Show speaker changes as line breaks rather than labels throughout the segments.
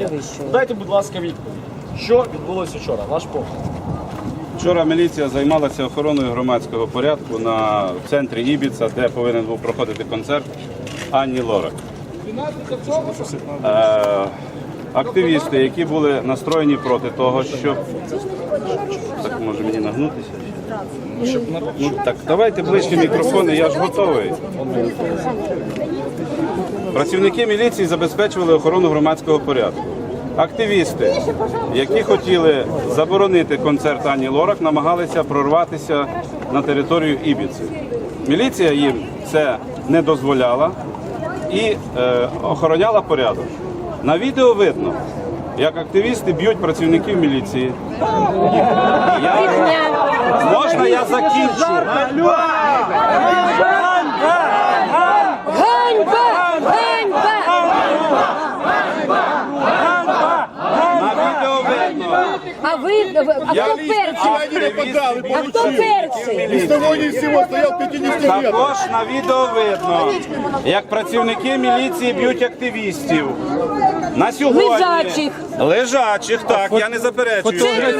перевищує. Дайте, будь ласка, відповідь. Що відбулося вчора? Ваш погляд.
Вчора міліція займалася охороною громадського порядку в центрі Ібіца, де повинен був проходити концерт Ані Лорак. Активісти, які були настроєні проти того, щоб... Так, може мені нагнутися? Ну, так, давайте ближче мікрофони, я ж готовий. Працівники міліції забезпечували охорону громадського порядку. Активісти, які хотіли заборонити концерт Ані Лорак, намагалися прорватися на територію Ібіці. Міліція їм це не дозволяла і охороняла порядок. На відео видно, як активісти б'ють працівників міліції. Можна я закінчу?
Ганьба! А хто перший? А хто перший?
Також на відео видно, як працівники міліції б'ють активістів. На сьогодні...
Лежачих.
Лежачих, так, я не заперечую.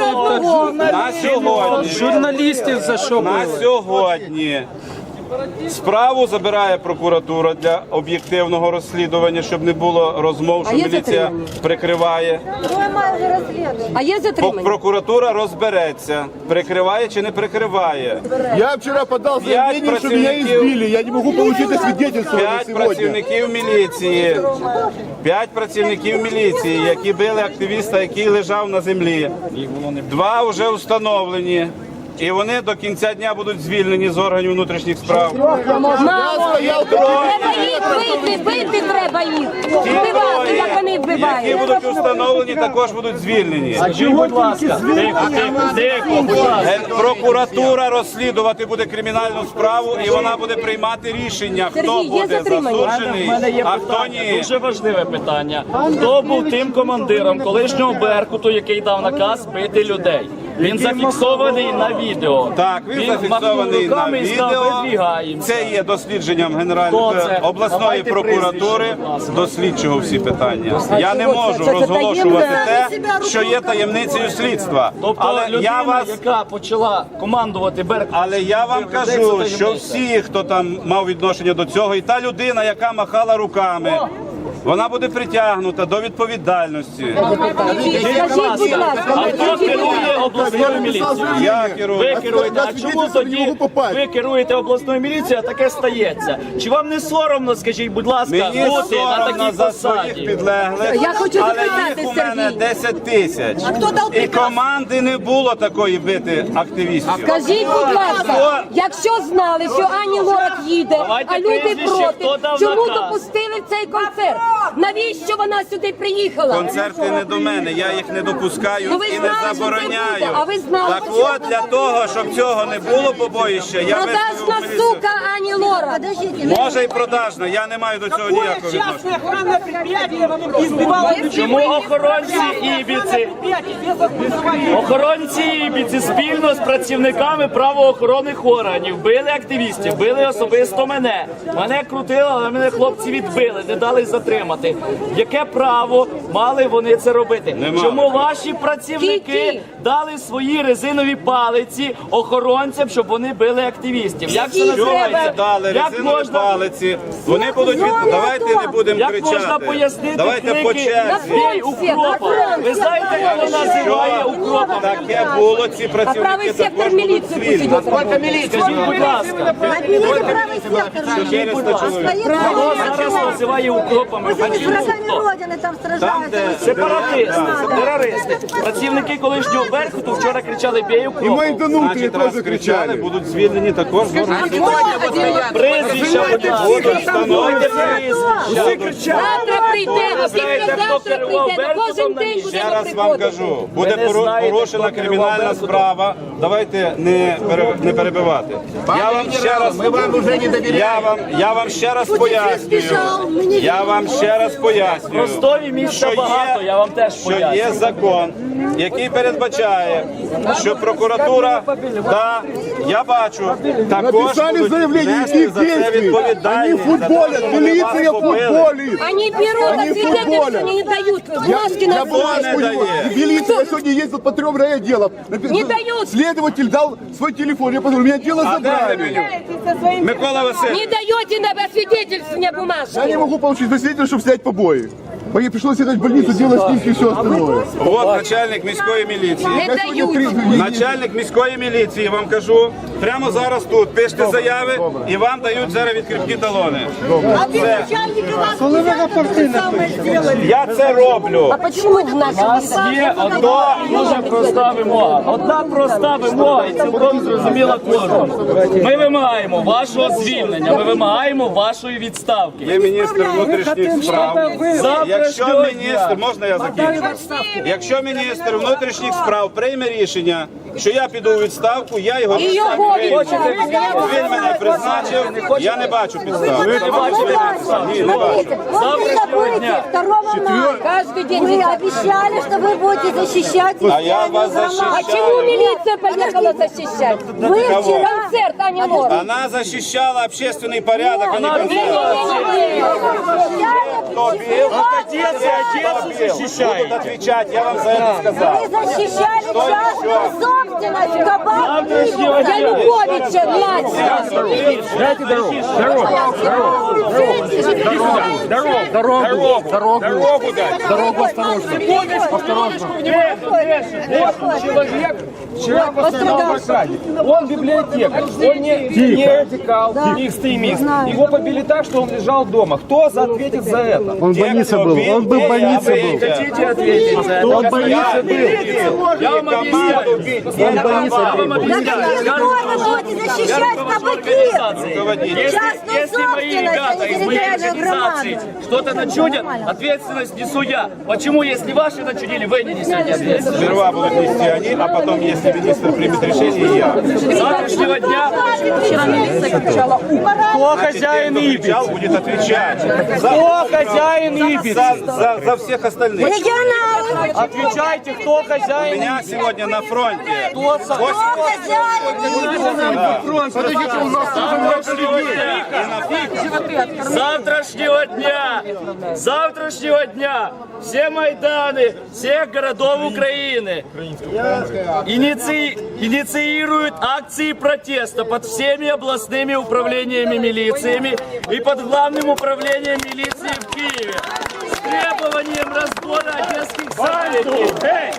На сьогодні...
Журналістів за що було?
На сьогодні справу забирає прокуратура для об'єктивного розслідування, щоб не було розмов, що міліція прикриває.
А є затримання?
Прокуратура розбереться, прикриває чи не прикриває.
Я вчера подал заявление, что меня избили. Я не могу получить свидетельство на
5
сегодня.
працівників міліції. 5 працівників міліції, які били активіста, який лежав на землі. 2 вже встановлені. І вони до кінця дня будуть звільнені з органів внутрішніх справ.
Треба їх бити треба їх. Вбивати, як вони
Які
вбивають.
будуть встановлені, також будуть звільнені.
Скажіть, будь ласка. Тихо, будь ласка.
Прокуратура розслідувати буде кримінальну справу, і вона буде приймати рішення, хто
Сергій, є
буде
затримані?
засуджений,
У мене є
а хто
питання,
ні.
дуже важливе питання. Хто був тим командиром колишнього Беркуту, який дав наказ бити людей? Він зафіксований на відео.
Так, він зафіксований на відео. Це є дослідженням обласної
Давайте
прокуратури
прізвище, будь ласка.
до слідчого всі питання. Я не можу розголошувати те, що є таємницею слідства.
Тобто
Але
людина, яка почала командувати Беркутом.
Але я вам кажу, що всі, хто там мав відношення до цього, і та людина, яка махала руками, вона буде притягнута до відповідальності.
Скажіть, будь ласка,
А хто керує обласною міліцією?
Я керую.
Ви керуєте. А чому тоді ви керуєте обласною міліцією, а таке стається? Чи вам не соромно, скажіть, будь ласка,
Мені
бути на
соромно
такій
за своїх
посаді?
підлеглих,
Я хочу
але
запитати,
їх у мене
Сергій.
10 тисяч. І команди не було такої бити активістів.
Скажіть, будь ласка, якщо знали, що Ані Лорак їде,
Давайте
а люди
прізвище, хто
проти,
дав
чому
наказ?
допустили цей концерт? Навіщо вона сюди приїхала?
Концерти не до мене, я їх не допускаю
Ну, ви
і не
знали, що це
забороняю.
буде, а ви знали,
Так
що
от, для того, щоб цього не було побоїща, я
Продажна
виставив міліцію.
сука Ані Лорак.
Може і продажна, я не маю до цього ніякого відношення.
охранное предприятие избивало людей.
Чому охоронці Ібіці спільно з працівниками правоохоронних органів били активістів, били особисто мене. Мене крутили, але мене хлопці відбили, не дали затримати. Яке право мали вони це робити?
Нема.
Чому ваші працівники
Які?
дали свої резинові палиці охоронцям, щоб вони били активістів? Як це
Які
Чого ви
називається?
не дали
Як
резинові
можна?
палиці? Вони будуть від... Давайте не будемо
Як можна
кричати.
пояснити
Давайте по
крики
черзі.
«Бій укропа»? Ви знаєте, як вона називає укропом?
Таке було, ці
А правий
працівники
сектор
також будуть
міліції
звільнені.
посидять.
Скажіть, будь ласка, скажіть, будь ласка, хто зараз називає укропами?
Там, де
Сепаратисти, терористи. Працівники колишнього Беркуту вчора кричали «Бій
И
укропом».
мои донутые
значить,
тоже
раз кричали,
кричали.
будуть звільнені також.
Прізвища, будь ласка. Встановлюйте прізвища.
Завтра прийдемо,
знаєте,
після
хто
завтра
керував
прийдемо, кожен
Беркутом
день
на
Ще
будемо
раз вам
приходити.
кажу, буде
Ви не знаєте,
порушена
хто керував
кримінальна
Беркутом?
справа. Давайте не перебивати. Я вам ще раз, я вам ще раз пояснюю. Я вам ще раз пояснюю. пояснюю,
Ростові місця
що
багато, я вам теж
що
поясню.
є закон, який передбачає, що прокуратура, да, я бачу, також
Написали
будуть
заявление,
нести
никаких
за це
действий. Они
відповідальність. за те,
футболят,
що вони вас
милиция
побили.
футболит.
Они берут, а свидетельства не дают. Бумажки на
я понял.
У него милиция сегодня ездит по 3 райотделам.
Не дают.
Следователь дал свой телефон. Я подумал, меня дело забрали.
Микола Васильович.
Не даете на свидетельствование бумажки.
Я не могу получить свидетельство, чтобы снять побои. Мне пришлось ехать в больницу, делать снимки и все остальное.
От начальник міської міліції.
Не
Я сегодня
дают.
Начальник міської міліції, вам кажу, прямо зараз тут пишете заяви і вам дають зараз відкритні талони. Я це роблю.
А почему в нашем
Є одна дуже проста вимога. Одна проста вимога і цілком зрозуміла кожному. Ми вимагаємо вашого звільнення, ми вимагаємо вашої відставки.
Ви міністр внутрішніх справ. Якщо
Завтрашнього
міністр,
дня.
можна я закінчу? Якщо міністр внутрішніх справ прийме рішення, що я піду у відставку, я його
І його
прийму.
відставку.
Він мене призначив, я не бачу підстав.
Ви не бачите підстав.
Ні, не бачу.
Завтрашнього дня.
2 мая.
Каждый день.
Вы обещали, что вы будете защищать
А я вас
А
защищаю.
чему милиция поехала защищать?
Вы
Кого?
вчера...
Концерт, а не Лора.
Она защищала общественный порядок, а не концерт. Кто бил?
Отец защищает.
Будут отвечать, я вам за это сказал.
Вы защищали
Что
частную
еще?
собственность, кабак
Завтрашнего дня.
Януковича, младшего.
Дайте дорогу.
Дорогу дать. Дорогу осторожно.
Человек вчера пострадал в блокаде. Он библиотекарь, он не радикал, не экстремист. Его побили так, что он лежал дома. Кто ответит за это?
Он в больнице был. Он был в больнице был.
Хотите ответить за это?
Он в больнице был.
Я вам объясняю. Я вам объясняю.
Что вы будете защищать кабаки?
Если мои ребята из моей организации что-то начудят, ответственность несу я. Почему, если ваши начудили, вы не несете ответственность?
Сперва будут нести они, а потом, если министр примет решение, я.
С завтрашнего дня
Кто хозяин Ибицы?
Кричал, будет отвечать.
Кто хозяин Ибицы?
За всех остальных.
Регионалы.
Отвечайте, кто
У
хозяин
меня сегодня на фронте
Кто
завтрашнего дня все Майданы всех городов Украины инициируют акции протеста под всеми областными управлениями милициями и под главным управлением милиции в Киеве с требованием разбора одесских событий.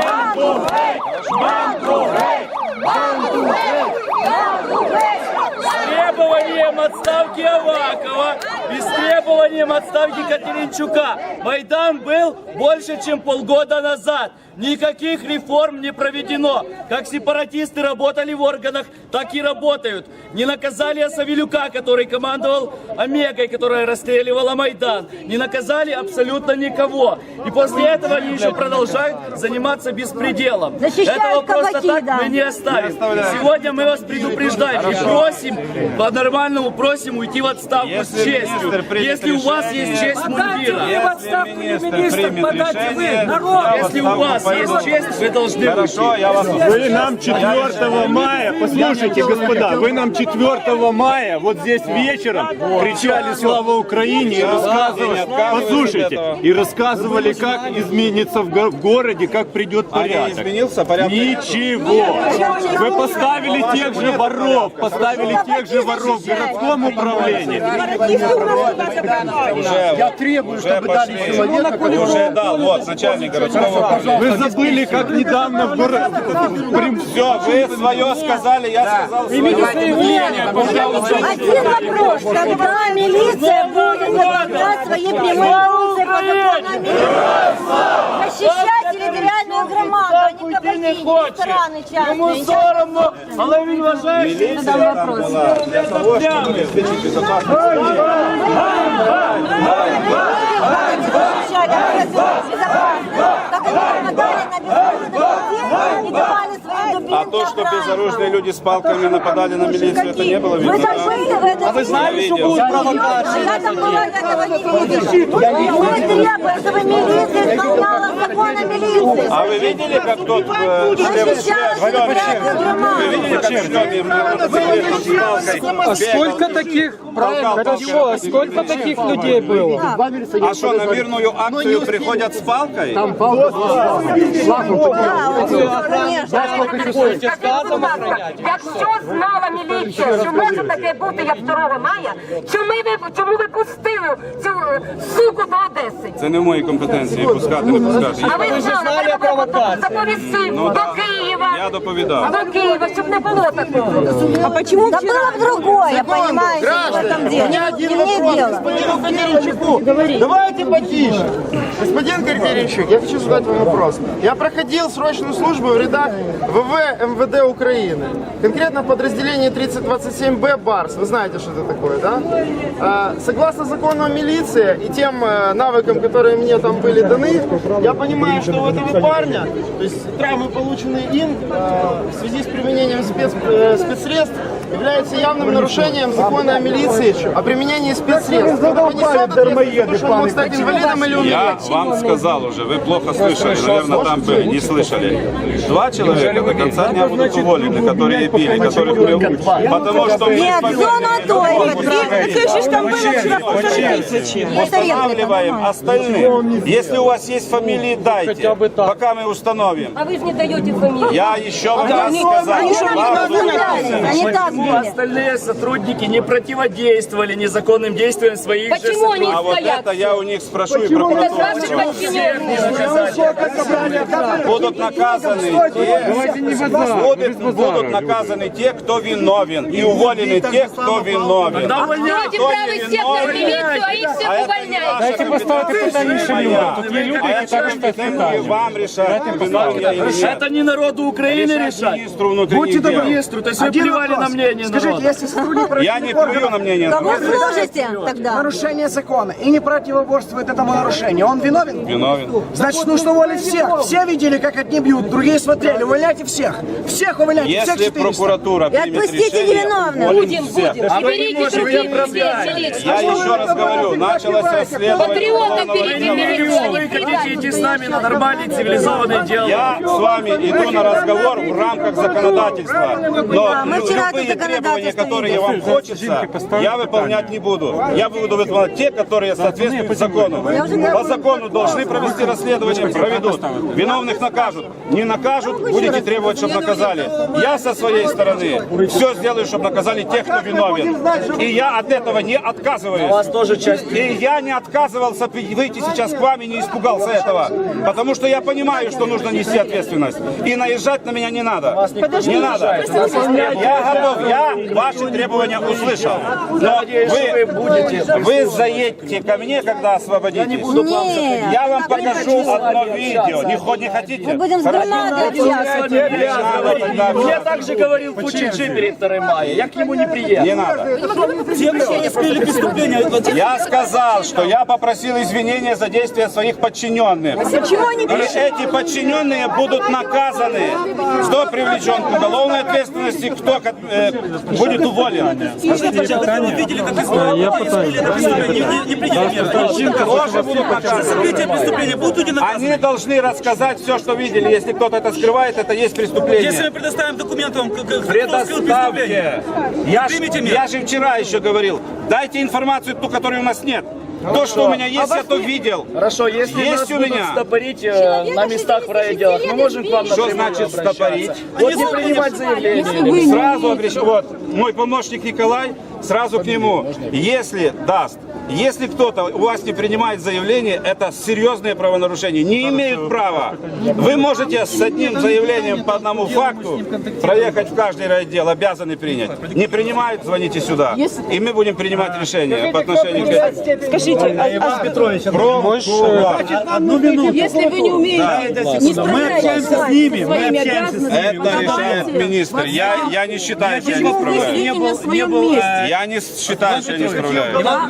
С требованием отставки Авакова и с требованием отставки Катеринчука. Майдан был больше, чем полгода назад. Никаких реформ не проведено. Как сепаратисты работали в органах, так и работают. Не наказали Савелюка, который командовал Омегой, которая расстреливала Майдан. Не наказали абсолютно никого. И после этого они еще продолжают заниматься беспределом.
Защищают
Этого просто
кабаки,
так
да.
мы не оставим. Сегодня мы вас предупреждаем и просим, по-нормальному просим уйти в отставку с
Если
честью.
министр примет
Если у вас есть
решение-
честь мундира.
Если министр примет решение,
Если у вас есть честь, вы должны
Хорошо,
уйти.
я вас
Вы нам 4 мая, послушайте, господа, вы нам 4 мая вот здесь вечером кричали «Слава Украине» и рассказывали, послушайте, и рассказывали, как изменится в городе, как придет
А не
порядок.
изменился порядок?
Ничего. Вы поставили тех же воров, в городском управлении.
Я требую, чтобы дали человека, который...
Уже дал, вот, начальник городского управления.
Вы забыли, как недавно в городе...
Все, вы свое сказали, я сказал свое.
Один вопрос. Когда милиция будет выполнять свои прямые функции по законам милиции? Защищать территориальную громаду, а не кабаки, рестораны частные.
Соромно, але він вважає, що
Милиция там была для того, чтобы обеспечить безопасность.
Защищать общественную безопасность. Как они нападали на безоружных людей и давали свои дубинки
А то, что безоружные люди с палками нападали на милицию, это не было
Вы
видно,
там
да?
были в этом? А вы
знали, что будут
провокации? Я там была, я этого не видела. Мы требуем, чтобы милиция исполняла законы милиции.
А вы видели, как тот
Защищала территориальную громаду.
Вы видели, как в шлеме мотоциклетом с палкой
Сколько таких, хорошо, сколько таких людей было?
А что, на мирную акцию приходят с палкой?
Якщо знала міліція, що може таке бути, як 2 мая, чому ви пустили цю суку до Одеси?
Це не в моїй компетенції пускати, не пускати.
А ви знали, треба доповісти до Києва.
Я доповідав.
До Києва, щоб не було такого.
А почему? Да было бы другое, понимаете, в этом деле. Не мне дело.
Давайте потише. Господин Корперенчук, я хочу задать вам вопрос. Я проходил срочную службу в рядах ВВ МВД Украины. Конкретно в подразделении 3027Б БАРС. Вы знаете, что это такое, да? Согласно закону о милиции и тем навыкам, которые мне там были даны, я понимаю, что у этого парня, то есть травмы, полученные им в связи с применением спецсредств, является явным нарушением закона о милиции, о применении спецсредств. Это понесет ответственность, что он мог стать инвалидом или
Я
умереть.
вам сказал уже, вы плохо слышали, наверное, там были, не слышали. 2 человека до конца дня будут уволены, которые пили, которых мы... Потому что мы
Нет, зона той.
устанавливаем остальных. Если у вас есть фамилии, дайте, пока мы установим.
А ви ж не даєте фамілію.
Я еще вам раз сказал.
Они так были.
Остальные сотрудники не противодействовали незаконным действиям своих же
Почему они
А вот
стоят?
это я у них спрошу и
Это
прокуратуру.
ваши подчиненные.
Будут наказаны те, будут наказаны те, кто виновен, и уволены те, кто виновен.
Давайте правый сектор милицию, а их всех увольняйте.
Дайте поставити питання іншим. Тут є люди, які також питання. Вам решать, виновен я или нет.
Это не народу Украины решать.
Министру внутренних дел.
Министру, то есть вы плевали на мнение народа.
Я не плюю на мнение
Кого
народа.
служите тогда?
Нарушение закона и не противоборствует этому нарушению. Он виновен?
Виновен.
Значит, нужно уволить всех. Все видели, как одни бьют, другие смотрели. Увольняйте всех. Всех увольняйте, всех
Если
400.
прокуратура
И
примет
отпустите
решение,
невиновных.
уволить всех.
И берите другие лиц.
Я еще раз говорю, началось расследование.
Патриотов берите
Вы
милицию.
хотите идти с нами на нормальный цивилизованный диалог.
Я с вами иду на разговор в рамках законодательства, но
мы вчера
любые
это
требования,
законодательство
которые вам хочется, я выполнять не буду. Я буду выполнять те, которые соответствуют закону. По закону должны провести расследование, проведут. Виновных накажут. Не накажут, будете требовать, чтобы наказали. Я со своей стороны все сделаю, чтобы наказали тех, кто виновен. И я от этого не отказываюсь.
У вас тоже часть.
И я не отказывался выйти сейчас к вам и не испугался этого. Потому что я понимаю, что нужно нести ответственность. И наезжать на меня не надо. Не надо. Я готов, я ваши требования услышал. Но вы заедете ко мне, когда освободитесь.
Нет.
Я вам покажу одно видео. Не хотите?
Будем с громадой общаться.
Я также говорил Пучинджи перед 2 мая. Я к нему не приехал.
Не надо. Я сказал, что я попросил извинения за действия своих подчиненных.
Почему они
И эти подчиненные будут наказаны. Кто привлечен к уголовной ответственности, кто будет уволен. Тоже будут наказаны. Они должны рассказать все, что видели. Если кто-то это скрывает, это есть преступление.
Если мы предоставим документы вам,
Предоставьте. Я же вчера еще говорил, дайте информацию ту, которой у нас нет. То, что у меня есть, я то видел.
Хорошо, если
Есть
нас
у
будут
меня.
стопорить на местах в райотделах, мы можем к вам
Что
напрямую
значит
обращаться.
стопорить?
Вот не принимать заявление.
Сразу обращаюсь. Вот мой помощник Николай, сразу к нему. Если даст, если кто-то у вас не принимает заявление, это серьезные правонарушения. Не имеют права. Вы можете с одним заявлением по одному факту проехать в каждый райотдел, обязаны принять. Не принимают, звоните сюда. И мы будем принимать решение по отношению к этому.
Скажите,
Одну минуту.
Если вы не умеете, не справляетесь со своими обязанностями,
Это решает министр. Я не считаю, что я не справляюсь.
не был,
Я не считаю, что я не справляюсь.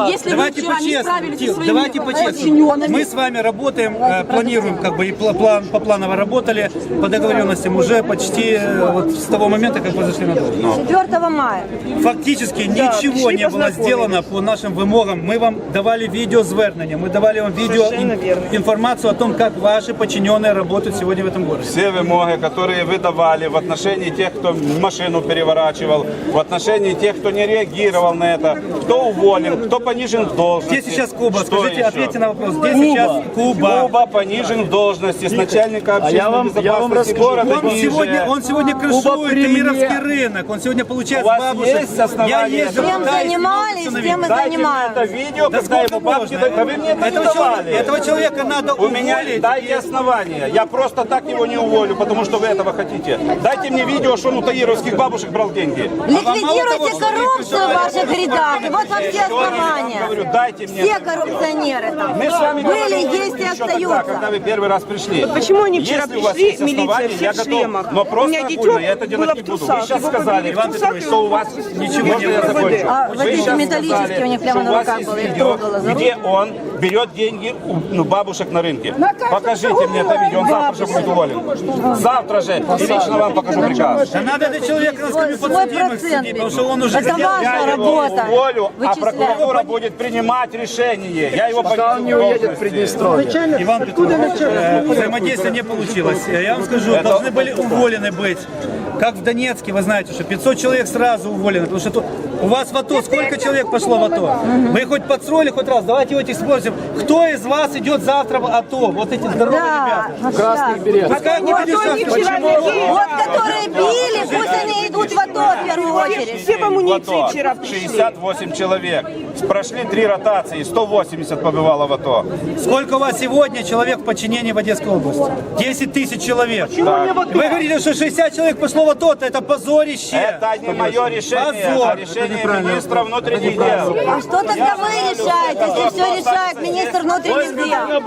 если вы
Давайте
вчера не справились со
по-честному.
своими
Давайте по-честному.
подчиненными.
Мы с вами работаем, планируем, как бы и по планово работали, по договоренностям уже почти вот с того момента, как вы зашли на должность.
4 мая.
Фактически ничего не было сделано по нашим вимогам. Мы вам давали видеозвернення, мы давали вам информацию о том, как ваши подчиненные работают сегодня в этом городе.
Все вымоги, которые вы давали в отношении тех, кто машину переворачивал, в отношении тех, кто не реагировал на это, кто уволен, кто понижен в должности.
Где сейчас Куба?
Что
Скажите,
еще?
ответьте на вопрос. Где сейчас Куба?
Куба понижен в должности с начальника
я
общественной
вам
безопасности
расскажу.
города ниже.
Он сегодня крышует Эмировский рынок. Он сегодня получает
У вас
бабушек.
есть основания
Я ездил
Чем
туда и
занимались,
смотрел,
тем и
Дайте мне это
занимаются.
видео,
Да
когда ему
сколько
бабки
можно?
дают. Да вы мне это не давали.
Этого человека надо
У меня
уволить.
дайте основания. Я просто так его не уволю, потому что вы этого хотите. Дайте мне видео, что он у таировских бабушек брал деньги.
Ликвидируйте коррупцию в ваших рядах. И вот вам все
Я говорю,
основания.
дайте мне.
Все коррупционеры там
Мы с вами
были,
говорили
есть и
еще тогда, когда
остаются.
вы первый раз пришли.
Почему они вчера
Если у вас
пришли,
есть основания,
милиция,
я
все в
готов.
шлемах?
Но
У
просто
меня
огульно,
дитё
я это
было
делать
в
не буду. Вы
трусах,
сейчас
его
сказали,
побили в
Иван
трусах,
Петрович, что у вас ничего
Можно
не
я
закончу.
А вот
Вы
эти
сейчас
металлические
сказали,
у них прямо
что
на
у вас
руках
есть
было, их
видео,
трогала за
где он берет деньги у бабушек на рынке. Покажите мне это видео, он завтра же будет уволен. Завтра же. И лично вам покажу приказ.
Да надо этот человек на скамью
Свой
подсудимых
процент
сидеть, потому что он уже
Это
сделал.
ваша
Я его
работа.
уволю, а
Вычислять.
прокуратура будет принимать решение. Я его пока
Он не уедет в Приднестровье.
Иван Петрович, взаимодействие не получилось. Я вам скажу, должны были уволены быть. Как в Донецке, вы знаете, что 500 человек сразу уволены, потому что тут у вас в АТО сколько человек пошло в АТО? Вы хоть подстроили хоть раз? Давайте его спросим. Кто из вас идет завтра в АТО? Вот эти здоровые
Да,
ребята.
красных берет.
Пускай они будут сейчас.
Вот которые били, пусть они идут в АТО в первую очередь.
Все в амуниции вчера пришли.
68 человек. Прошли 3 ротации, 180 побывало в АТО.
Сколько у вас сегодня человек в подчинении в Одесской области? 10 тысяч человек. Вы говорите, что 60 человек пошло в АТО, это позорище.
Это не мое решение,
Позор.
а решение министра внутренних дел.
А что тогда вы решаете, если все решает министр внутренних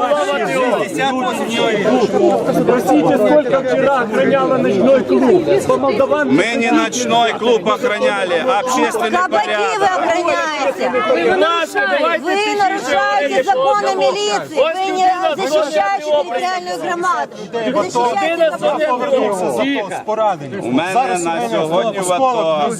дел?
68 человек.
Спросите, сколько вчера охраняла ночной клуб?
Мы не ночной клуб охраняли, а общественный
Кабаки вы
порядок.
охраняете. Вы нарушаете законы милиции. Вы не защищаете территориальную громаду. Вы защищаете
У мене на сьогодні в АТО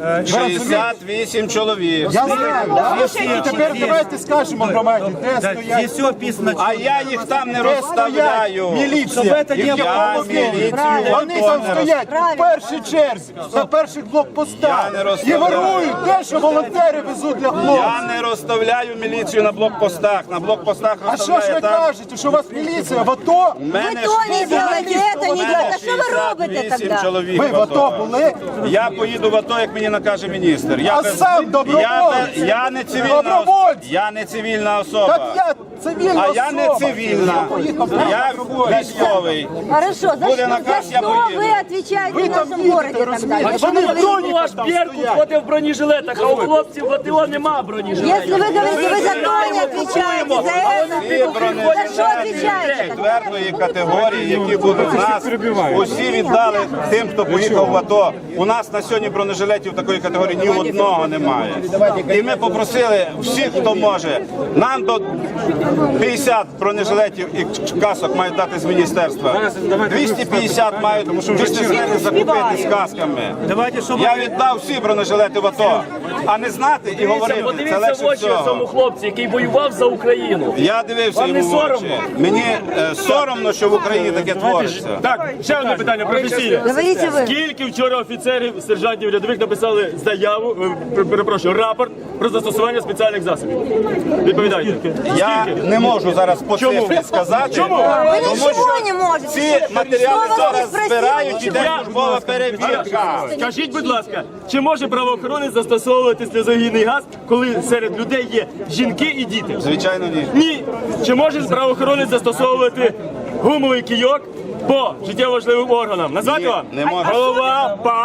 68 чоловік.
Я знаю. Тепер давайте скажемо громаді, де
Да,
стоять.
здесь все описано.
А я їх там не розставляю.
Міліція.
Щоб це не
Я
було.
міліцію
Вони
в АТО
там
не
стоять в першій черзі, на перших блокпостах.
Я не
І
розставляю.
ворують те, що волонтери везуть для
Я
хлопців.
не розставляю міліцію на блокпостах. На блокпостах
А що ж
розставляю
ви
там.
кажете, що у вас міліція в АТО?
У мене
Ви то не делаете, это не делаете. А що ви робите
68
тогда?
чоловік
Ви в АТО були?
Я поїду в АТО, як мені накаже міністр. Я
А сам добровольець.
я не цивільна
Добровольць.
Я не цивільна особа.
Так я цивільна
А
особа.
я не цивільна. Я військовий.
Хорошо, за
Буде
что,
наказ, я
что
поеду.
вы отвечаете в нашем городе тогда?
А
Что
чому
вы говорите?
ваш Беркут ходить в бронежилетах, а у хлопців в АТО нема бронежилетів?
Если вы говорите, вы за то не отвечаете, за это,
Всі
за что
бронежилети
отвечаете?
четвертої категорії, які будуть в нас, усі віддали тим, хто поїхав в АТО. У нас на сьогодні бронежилетів такої категорії ні одного немає. І ми попросили всіх, хто може, нам до 50 бронежилетів і касок мають дати з міністерства. 250 мають вместе з ними закупити з касками.
Давайте, чтобы
Я віддав всі бронежилети в АТО, а не знати і говорити, це
Подивіться в
легше
очі цьому
всього.
хлопцю, який воював за Україну.
Я дивився
Вам не
йому в очі.
соромно?
Мені соромно, що в Україні таке твориться.
Так, ще одне питання професійне.
Говорите вы.
Скільки вчора офіцерів, сержантів рядових написали заяву, перепрошую, рапорт про застосування спеціальних засобів? Відповідайте.
Я не можу зараз по цифрі сказати,
Чому?
Вы
тому
ничего
що
не можете.
ці матеріали
Что вас не
зараз
спросили,
збирають,
ничего.
іде службова перевірка.
Скажіть, будь ласка, чи може правоохоронець застосовувати сльозогінний газ, коли серед людей є жінки і діти?
Звичайно, ні.
Ні. Чи може правоохоронець застосовувати гумовий кийок по життєво важливим органам? Назвати
Ні,
вам?
не може.
Голова, пах,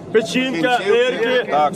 печінка, нирки,
Так.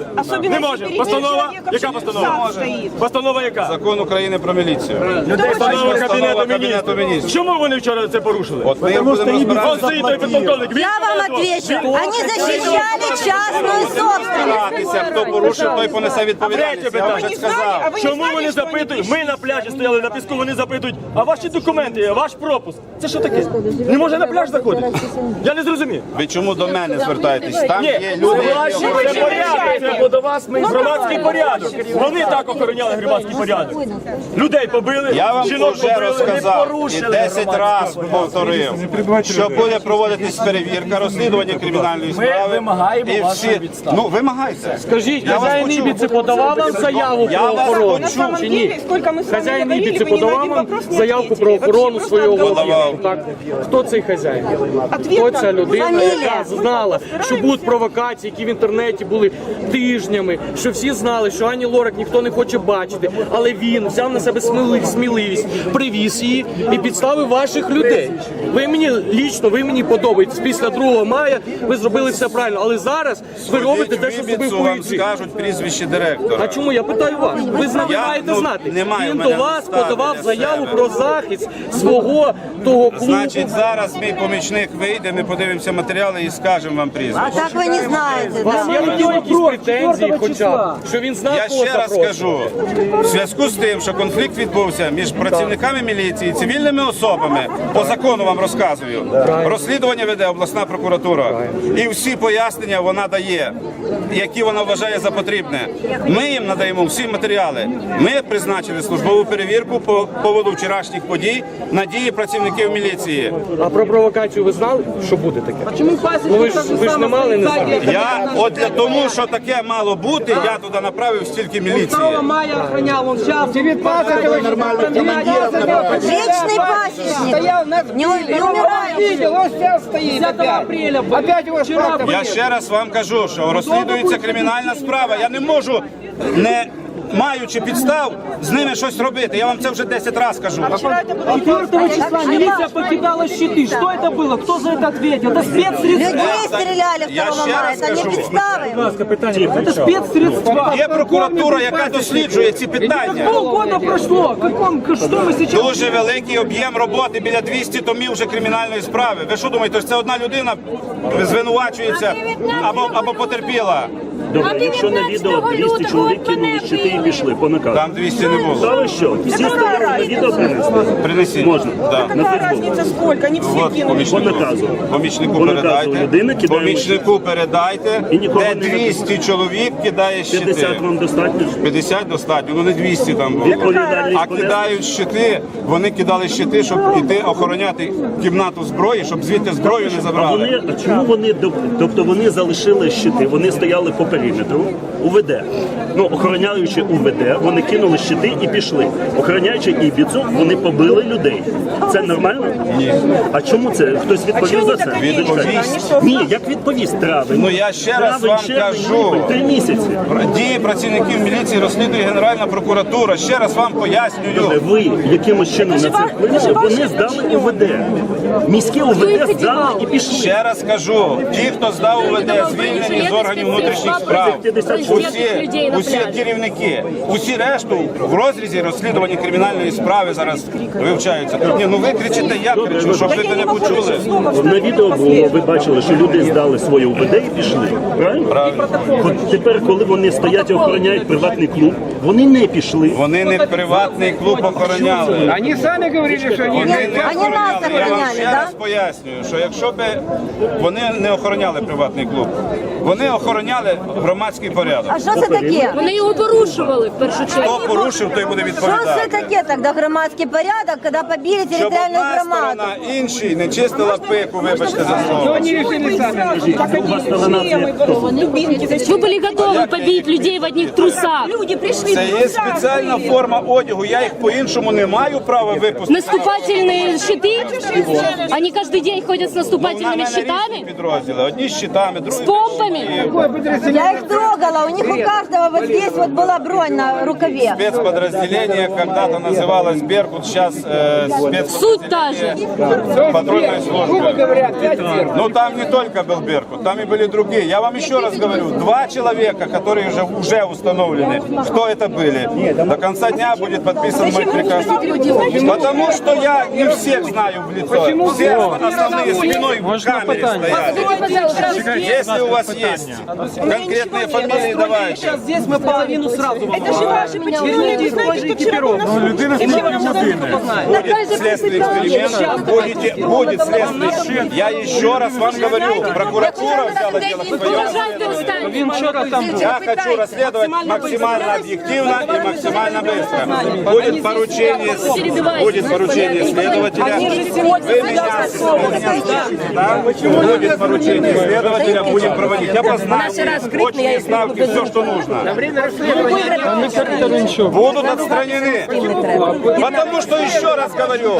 не може. Постанова? Яка постанова? Постанова яка?
Закон України про міліцію.
Постанова
Кабінету
Кабінету Міністрів. Чому вони вчора це порушили?
От ми будемо
Он
розбиратися.
стоїть той підполковник. Він
Я вам отвечу. Они защищали частную собственность.
Хто порушив, той понесе відповідальність. Я вам вже сказав.
Чому вони запитують? Ми на пляжі стояли на піску, вони запитують, а ваші документи, ваш пропуск. Це що таке? Не може на пляж заходити? Я не зрозумів.
Ви чому до мене звертаєтесь? Там є люди, які
Це порядок, це до вас ми громадський порядок. Вони так охороняли громадський порядок. Людей побили,
Я вам
жінок
вже
побили, не
розказав і
порушили
10 разів повторив, що буде проводитись перевірка, розслідування кримінальної справи.
вимагаємо
і
вашої
всі...
відставки.
Ну, вимагайте.
Скажіть,
Я вас
хазяїн
почув.
Ібіці подавав вам заяву
Я
про
вас
охорону?
почув.
Чи ні? Хазяїн Ібіці подавав вам заявку про охорону свого об'єкту? Так. Хто цей хазяїн? Хто ця людина, яка знала, що будуть провокації, які в інтернеті були тижнями, що всі знали, що Ані Лорак ніхто не хоче бачити, але він взяв на себе сміливість, привіз її і підставив ваших людей. Ви мені лічно, ви мені подобаєтесь. Після 2 мая ви зробили все правильно, але зараз ви робите те, що зробив
Вибіцу вам
поліції.
скажуть прізвище директора.
А чому? Я питаю вас. Ви маєте знати.
немає в
Він
мене
до вас
ставлення
подавав
до
заяву
себе.
про захист свого того клубу.
Значить, зараз мій помічник вийде, ми подивимося матеріали і скажемо вам прізвище.
Так вы не знаете,
У вас
да?
є до нього якісь претензії хоча б, що він знав,
Я
кого
ще раз
запрошує?
скажу, в зв'язку з тим, що конфлікт відбувся між працівниками міліції, цивільними особами, по закону вам розказую, розслідування веде обласна прокуратура. І всі пояснення вона дає, які вона вважає за потрібне. Ми їм надаємо всі матеріали. Ми призначили службову перевірку по поводу вчорашніх подій на дії працівників міліції.
А про провокацію ви знали, що буде таке? Ну, ви ж не мали, не знали.
Я от для тому, що таке мало бути, я туди направив стільки міліції.
Мая охранял, он сейчас...
Вечный пасечник. Не умирает.
Он сейчас стоит опять его вчера...
Я ще раз вам кажу, що розслідується кримінальна справа. Я не можу, не маючи підстав, з ними щось робити. Я вам це вже 10 разів кажу.
4 числа милиция покидала щиты. Что это было? Кто за это ответил? Это спецсредства.
Людей стреляли 2
Я ще
мая.
раз
Это не
кажу.
представы.
Это спецсредства.
Є прокуратура, яка досліджує ці питання.
Полгода прошло. Что мы сейчас...
Дуже великий об'єм роботи, біля 200 томів вже кримінальної справи. Ви що думаєте, що це одна людина звинувачується або потерпіла?
Добре, якщо на відео 200 чоловік кинули щити і пішли по наказу.
Там 200 не було.
Та ви що? Всі стояли на відео принесли?
Принесіть.
Можна.
Да.
На Фейсбук.
сколько? Не все
От помічнику
По наказу
передайте.
людина кидає
Помічнику передайте,
І нікого
де
не
200 чоловік кидає щити.
50 вам достатньо?
50 достатньо, ну не 200 там було.
Відповідальність
А кидають щити, вони кидали щити, щоб іти охороняти кімнату зброї, щоб звідти зброю не
А
забрали.
чому вони, тобто вони залишили щити, вони стояли по периметру, УВД. Ну, охороняючи УВД, вони кинули щити і пішли. Охороняючи Ібіцу, вони побили людей. Це нормально?
Ні.
А чому це? Хтось відповів за це?
Відповість.
Ні, як відповість? Травень.
Ну я ще раз
Травень,
вам
червень,
кажу.
липень, 3 місяці.
Дії працівників міліції розслідує Генеральна прокуратура. Ще раз вам пояснюю.
Ви якимось чином на це вплинули, вони здали УВД. Міське УВД здали і пішли.
Ще раз кажу, ті, хто здав УВД, звільнені з органів внутрішніх справ, усі керівники, усі решту в розрізі розслідування кримінальної справи зараз вивчаються. Ні, ну ви кричите, я кричу, щоб ви мене почули.
На відео було, ви бачили, що люди здали своє УВД і пішли. Правильно?
Правильно.
От тепер, коли вони стоять і охороняють приватний клуб, вони не пішли.
Вони не приватний клуб охороняли.
Они сами говорили, что
Вони не
Они нас
охороняли. Я вам
охороняли,
ще
да?
раз пояснюю, що якщо б вони не охороняли приватний клуб, вони охороняли громадський порядок.
А что это такие?
Вони його порушували в першу чергу.
Хто порушив, той буде
Что
відповідати.
это такие тогда громадский порядок, когда побили
Щоб
территориальную
одна
громаду?
сторона іншій не чистила пику, вибачте за слово.
они решили сами.
У вас сторона це хто?
Ви були готові побити людей в одних трусах. Люди прийшли.
Це є спеціальна форма одягу, я їх по-іншому не маю права випустити.
Наступательные щиты? Они каждый день ходят с
Ну, на
наступательными
мене різні
щитами?
підрозділи. Одні з щитами, другі
З помпами?
без щитів.
Я Я их трогала, у них у каждого вот здесь вот была бронь на рукаве.
Спецподразделение когда-то называлось «Беркут», сейчас
Суть та же.
патрульной службы. Но там не только был «Беркут», там и были другие. Я вам еще раз говорю, 2 человека, которые уже установлены, кто это были. До конца дня будет подписан мой приказ. Потому что я не всех знаю в лицо. Все основные спиной в камере стоят. Если у вас есть конкретные фамилии, давайте.
Сейчас здесь мы половину сразу вам.
Это же ваши
Верните той же экипировку.
Будет следственный эксперимент, будет следственный. Я еще раз вам говорю, прокуратура взяла дело в свое. Я хочу расследовать максимально объективно и максимально быстро. Будет поручение следователя. Вы меня слышите, да? Будет поручение следователя, будем проводить. Я познаю очные ставки, все, что нужно. Будут отстранены. Потому что, еще раз говорю,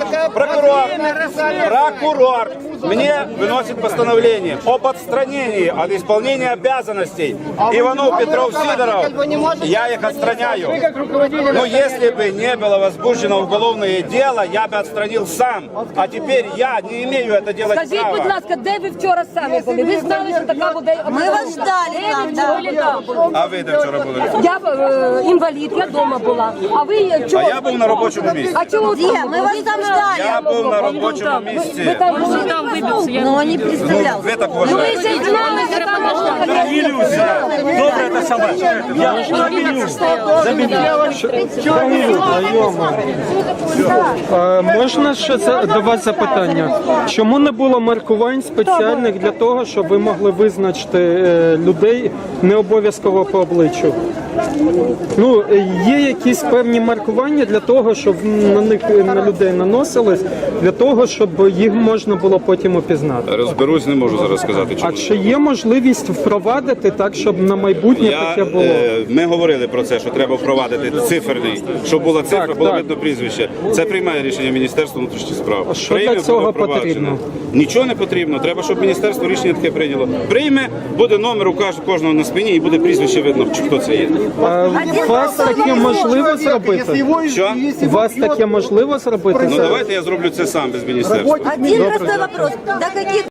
прокурор мне выносит постановление об отстранении от исполнения обязанностей Иванов, Петров, Сидоров. Я их отстраняю. Но если бы не было возбуждено уголовное дело, я бы отстранил сам. А теперь я не имею это делать
Скажіть,
права.
будь ласка, де ви вчора самі були? Ви знали, що така буде?
Мы вас ждали там, да.
А ви де вчора були?
Я інвалід, я вдома була. А ви чого?
А я був на робочому місці.
А чого?
Где? Мы вас там ждали.
Я був на робочому місці.
Ви там були? Там вибився.
Но он не представлял.
Ви так
Ви
вважаєте?
ще знали, що там можна.
Добре, це саме.
Можна ще до вас запитання? Чому не було маркувань спеціальних для того, щоб ви могли визначити людей не обов'язково по обличчю? Ну, є якісь певні маркування для того, щоб на них на людей наносились, для того, щоб їх можна було потім опізнати.
Розберусь, не можу зараз сказати.
А чи є можливість впровадити так, щоб на майбутнє таке було?
Ми говорили про це, що треба впровадити циферний, щоб була цифра, було видно прізвище. Це приймає рішення Міністерство внутрішніх справ.
А що для цього потрібно?
Нічого не потрібно. Треба, щоб міністерство рішення таке прийняло. Прийме, буде номер у кожного на спині і буде прізвище видно, чи хто це є.
У вас таке можливо зробити?
Що?
У вас таке можливо зробити?
Ну давайте я зроблю це сам без міністерства.
Один простой вопрос. До каких